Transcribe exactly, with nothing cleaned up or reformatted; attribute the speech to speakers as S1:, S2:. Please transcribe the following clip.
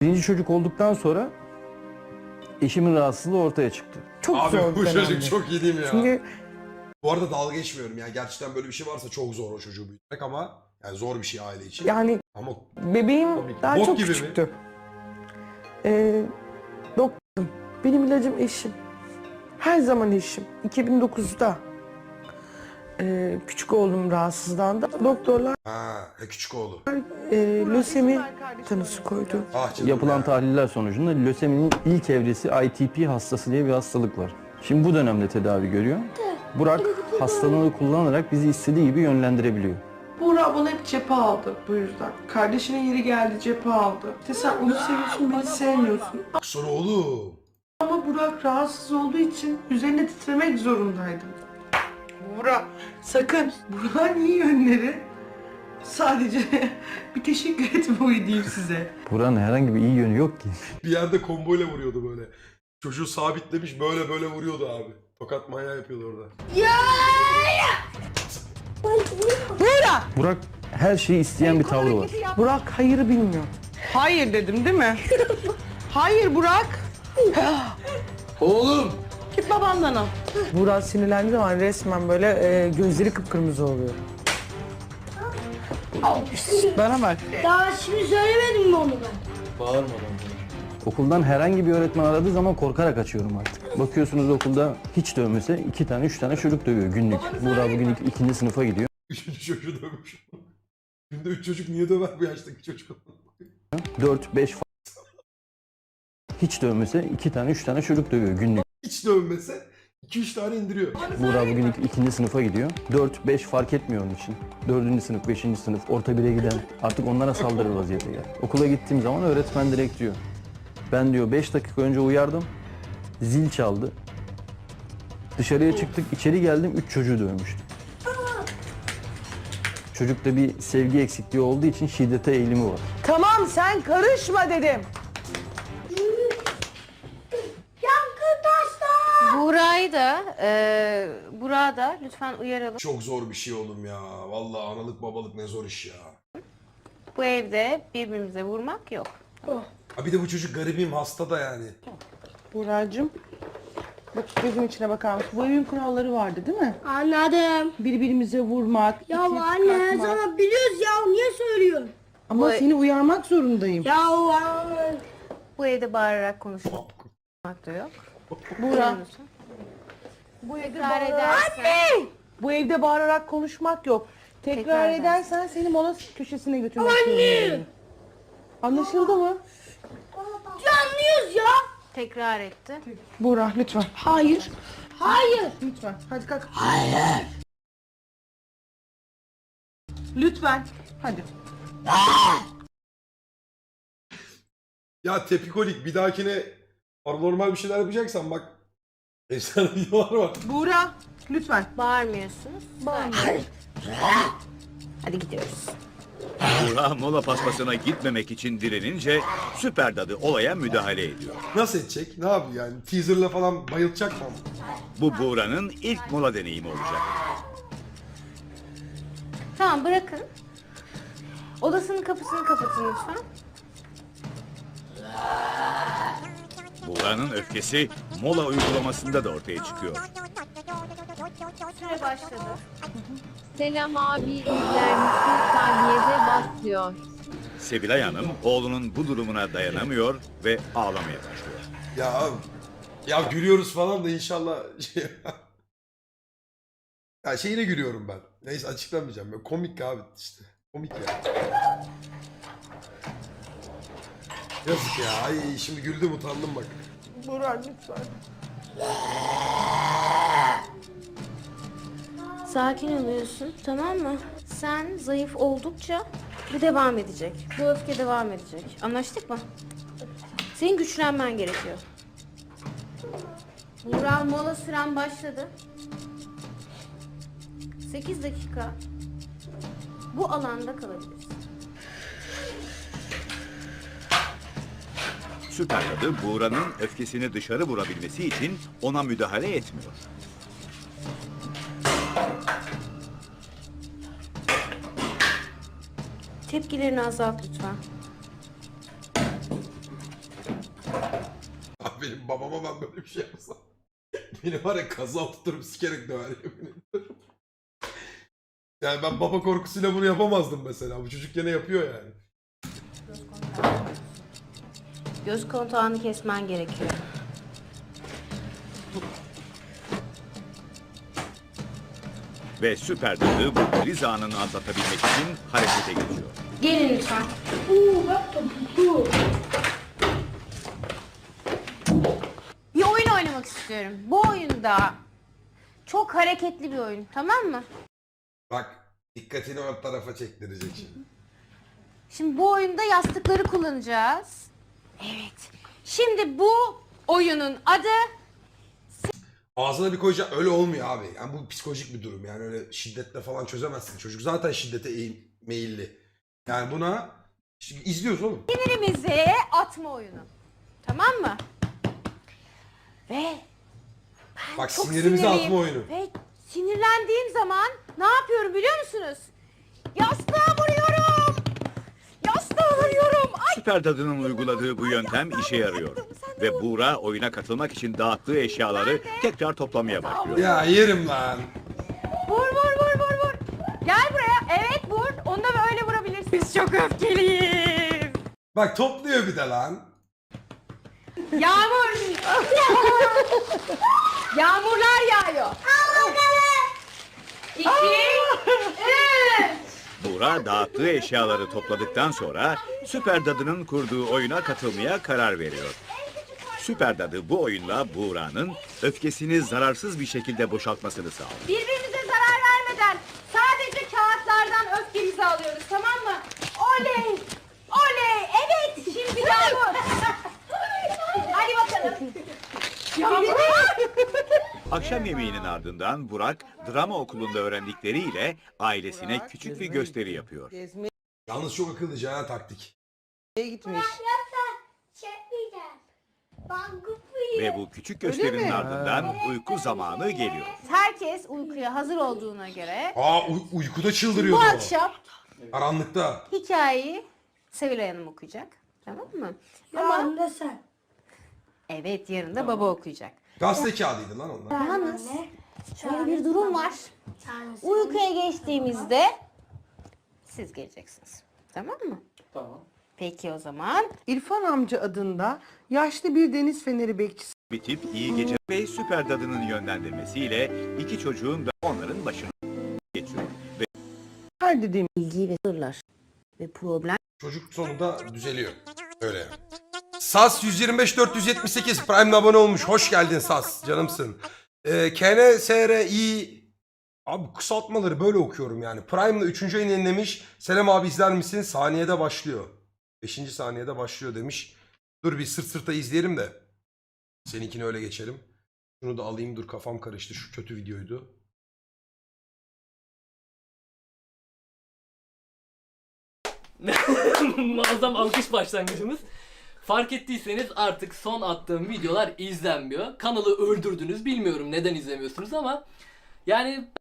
S1: Birinci çocuk olduktan sonra eşimin rahatsızlığı ortaya çıktı.
S2: Çok
S3: Abi
S2: zor
S3: bu
S2: bir
S3: çocuk
S2: dönemdi.
S3: çok iyi değil mi ya?
S2: Çünkü
S3: Bu arada dalga geçmiyorum yani gerçekten böyle bir şey varsa çok zor o çocuğu büyütmek ama yani zor bir şey aile için.
S2: yani
S3: Ama
S2: bebeğim
S3: Tabii ki.
S2: daha
S3: Bok
S2: çok
S3: gibi mi?
S2: küçüktü. Ee, doktorum. Benim ilacım eşim. Her zaman eşim. iki bin dokuzda e, küçük oğlum rahatsızlandı. Doktorlar
S3: ha e, küçük oğlu.
S2: e, lösemi tanısı koydu.
S3: Ah canım
S1: Yapılan
S3: ya.
S1: tahliller sonucunda löseminin ilk evresi I T P hastası diye bir hastalık var. Şimdi bu dönemde tedavi görüyor. Burak hastalığını kullanarak bizi istediği gibi yönlendirebiliyor.
S2: Buğra bana hep cephe aldı bu yüzden. Kardeşinin yeri geldi cephe aldı. İşte sen onu seviyorsun beni sevmiyorsun.
S3: Sonra oğlum.
S2: Ama Burak rahatsız olduğu için üzerine titremek zorundaydım. Burak sakın. Burak'ın iyi yönleri sadece bir teşekkür etmeyi diyeyim size.
S1: Burak'ın herhangi bir iyi yönü yok ki.
S3: Bir yerde komboyla vuruyordu böyle. Çocuğu sabitlemiş böyle böyle vuruyordu abi. Tokat manyağı yapıyordu orada.
S2: Burak!
S1: Burak her şeyi isteyen bir tavrı var.
S2: Burak hayırı bilmiyor. Hayır dedim değil mi? Hayır Burak.
S3: Oğlum!
S2: Git babandan al. Burak sinirlendiği zaman resmen böyle e, gözleri kıpkırmızı oluyor. Bana bak.
S4: Daha şimdi söylemedim mi onu ben?
S1: Okuldan herhangi bir öğretmen aradığı zaman korkarak açıyorum artık. Bakıyorsunuz okulda hiç dövmese iki tane üç tane çocuk dövüyor günlük. Burak bugün ik- ikinci sınıfa gidiyor.
S3: Üçüncü çocuğu dövmüş. Günde üç çocuk niye döver bu yaştaki çocuk?
S1: Dört beş fa- hiç dövmese iki tane üç tane çocuk dövüyor günlük.
S3: Hiç dövmese iki üç tane indiriyor.
S1: Burak bugün ik- ikinci sınıfa gidiyor. Dört beş fark etmiyor onun için. Dördüncü sınıf, beşinci sınıf, orta bire giden artık onlara saldırır vaziyete geldi. Okula gittiğim zaman öğretmen direkt diyor. Ben diyor beş dakika önce uyardım. Zil çaldı. Dışarıya çıktık, içeri geldim, üç çocuğu dövmüştüm. Çocukta bir sevgi eksikliği olduğu için şiddete eğilimi var.
S2: Tamam sen karışma dedim.
S4: Yankı taşlar!
S5: Buğra'yı da, e, Burak'ı da lütfen uyaralım.
S3: Çok zor bir şey oğlum ya. Vallahi analık babalık ne zor iş ya.
S5: Bu evde birbirimize vurmak yok.
S3: Ha bir de bu çocuk garibim hasta da yani.
S2: Buğra'cığım. Bak gözüm içine bakar mısın? Bu evin kuralları vardı değil mi?
S4: Anladım.
S2: Birbirimize vurmak,
S4: Ya
S2: itip
S4: anne
S2: kalkmak.
S4: sana biliyoruz ya niye söylüyorsun?
S2: Ama
S5: Bu-
S2: seni uyarmak zorundayım.
S4: Ya anne.
S5: Bu evde bağırarak konuşmak da yok.
S2: Buğra.
S5: Bu evde Tekrar edersen.
S2: Bu evde bağırarak konuşmak yok. Tekrar,
S5: Tekrar
S2: edersen seni mola köşesine götürmek zorundayım. Anlaşıldı mı?
S4: Ya anlıyoruz ya.
S5: Tekrar etti.
S2: Buğra lütfen.
S4: Hayır. Hayır.
S2: Lütfen. Hadi kalk. Hayır. Lütfen. Hadi.
S3: Ya tepikolik bir dahakine normal bir şeyler yapacaksan bak. Efsane videolar var.
S2: Buğra lütfen.
S5: Bağırmıyorsunuz. Hadi gidiyoruz.
S6: Burak mola paspasına gitmemek için direnince Süper Dadı olaya müdahale ediyor.
S3: Nasıl edecek? Ne yapıyor yani? Teaserla falan bayılacak mı?
S6: Bu Buğra'nın ilk mola deneyimi olacak.
S5: Tamam bırakın. Odasının kapısını kapatın lütfen.
S6: Buğra'nın öfkesi mola uygulamasında da ortaya çıkıyor.
S5: Süre başladı.
S7: Selam abi izler misin? Saniyede bas diyor.
S6: Sevilay Hanım oğlunun bu durumuna dayanamıyor ve ağlamaya başlıyor.
S3: Ya ya gülüyoruz falan da inşallah şey... Ya şeyine gülüyorum ben. Neyse açıklamayacağım. Böyle komik abi işte. Komik ya. Yazık ya. Ay şimdi güldüm utandım bak.
S2: Buğra lütfen.
S5: Sakin oluyorsun, tamam mı? Sen zayıf oldukça bu devam edecek. Bu öfke devam edecek. Anlaştık mı? Senin güçlenmen gerekiyor. Burak mola süren başladı. sekiz dakika bu alanda kalabilirsin.
S6: Süper Dadı Buğra'nın öfkesini dışarı vurabilmesi için ona müdahale etmiyor.
S5: Tepkilerini azalt lütfen.
S3: benim babama ben böyle bir şey yapsam. Beni var ya kaza tuturup sikerek döver yemin ediyorum. Yani ben baba korkusuyla bunu yapamazdım mesela. Bu çocuk gene yapıyor yani.
S5: Göz kontağını kesmen gerekiyor.
S6: Ve süper dadı bu kriz anını atlatabilmek için harekete geçiyor.
S5: Gelin lütfen.
S4: Uuu bak topuklu.
S5: Bir oyun oynamak istiyorum. Bu oyunda çok hareketli bir oyun, tamam mı?
S3: Bak dikkatini o tarafa çektirecek şimdi.
S5: Şimdi bu oyunda yastıkları kullanacağız. Evet. Şimdi bu oyunun adı
S3: Ağzına bir koyacak öyle olmuyor abi. Yani bu psikolojik bir durum. Yani öyle şiddetle falan çözemezsin. Çocuk zaten şiddete eğim- meyilli. Yani buna şimdi izliyoruz oğlum.
S5: sinirimizi atma oyunu. Tamam mı? Ve
S3: Bak
S5: çok
S3: sinirimizi
S5: sinirliyim.
S3: atma oyunu.
S5: Ve sinirlendiğim zaman ne yapıyorum biliyor musunuz? Yastığa vuruyorum. Yastığa vuruyorum. Ay.
S6: Süper dadının uyguladığı bu yöntem işe yarıyor. Ve Buğra oyuna katılmak için dağıttığı eşyaları tekrar toplamaya başlıyor.
S3: Ya yerim lan.
S5: Vur vur vur vur vur. Gel buraya. Evet vur. Onu da böyle vurabilirsin. Biz çok öfkeliyiz.
S3: Bak topluyor bir de lan.
S5: Yağmur. Yağmurlar yağıyor. İki, üç.
S6: Buğra dağıttığı eşyaları topladıktan sonra Süper Dadı'nın kurduğu oyuna katılmaya karar veriyor. Süper Dadı bu oyunla Buğra'nın öfkesini zararsız bir şekilde boşaltmasını sağlıyor.
S5: Birbirimize zarar vermeden sadece kağıtlardan öfkemizi alıyoruz, tamam mı? Oley! Oley! Evet! Şimdi Yağmur! Hadi bakalım. Yağmur!
S6: Akşam yemeğinin ardından Burak drama okulunda öğrendikleriyle ailesine küçük bir gösteri yapıyor.
S2: Gezmeye
S3: Yalnız çok akıllıca ha taktik.
S2: gitmiş.
S4: Çekmeyeceğim. Ben kupuyum.
S6: Ve bu küçük gösterinin
S2: mi?
S6: ardından uyku zamanı geliyor.
S5: Herkes uykuya hazır olduğuna göre
S3: Aa uy- uykuda
S5: bu
S3: çıldırıyordu o.
S5: akşam
S3: Karanlıkta.
S5: hikayeyi Sevilay Hanım okuyacak. Tamam mı?
S4: Ama
S5: Ama
S4: da sen.
S5: evet yarın da baba okuyacak.
S3: Gazete kağıdıydı lan onlar.
S5: Yalnız şöyle bir durum var. Uykuya geçtiğimizde siz geleceksiniz. Tamam mı? Tamam. Peki o zaman.
S2: İrfan amca adında yaşlı bir deniz feneri bekçisi.
S6: Bitip iyi gece ve Süper Dadı'nın yönlendirmesiyle iki çocuğun da onların başına geçiyor. Ve
S2: Her dediğim
S5: Bilgi ve sırlar ve problem
S3: Çocuk sonunda düzeliyor. Öyle yani. Sas yüz yirmi beş dört yüz yetmiş sekiz Prime'le abone olmuş. Hoş geldin Sas. Canımsın. Ee, K N S R I Abi kısaltmaları böyle okuyorum yani. Prime'la üçüncü ayını yenilemiş. Selam abi izler misin? Saniyede başlıyor. beşinci saniyede başlıyor demiş. Dur bir sırt sırta izleyelim de. Seninkini öyle geçelim. Şunu da alayım, dur kafam karıştı. Şu kötü videoydu.
S8: Muazzam alkış başlangıcımız. Fark ettiyseniz artık son attığım videolar izlenmiyor. Kanalı öldürdünüz. Bilmiyorum neden izlemiyorsunuz ama yani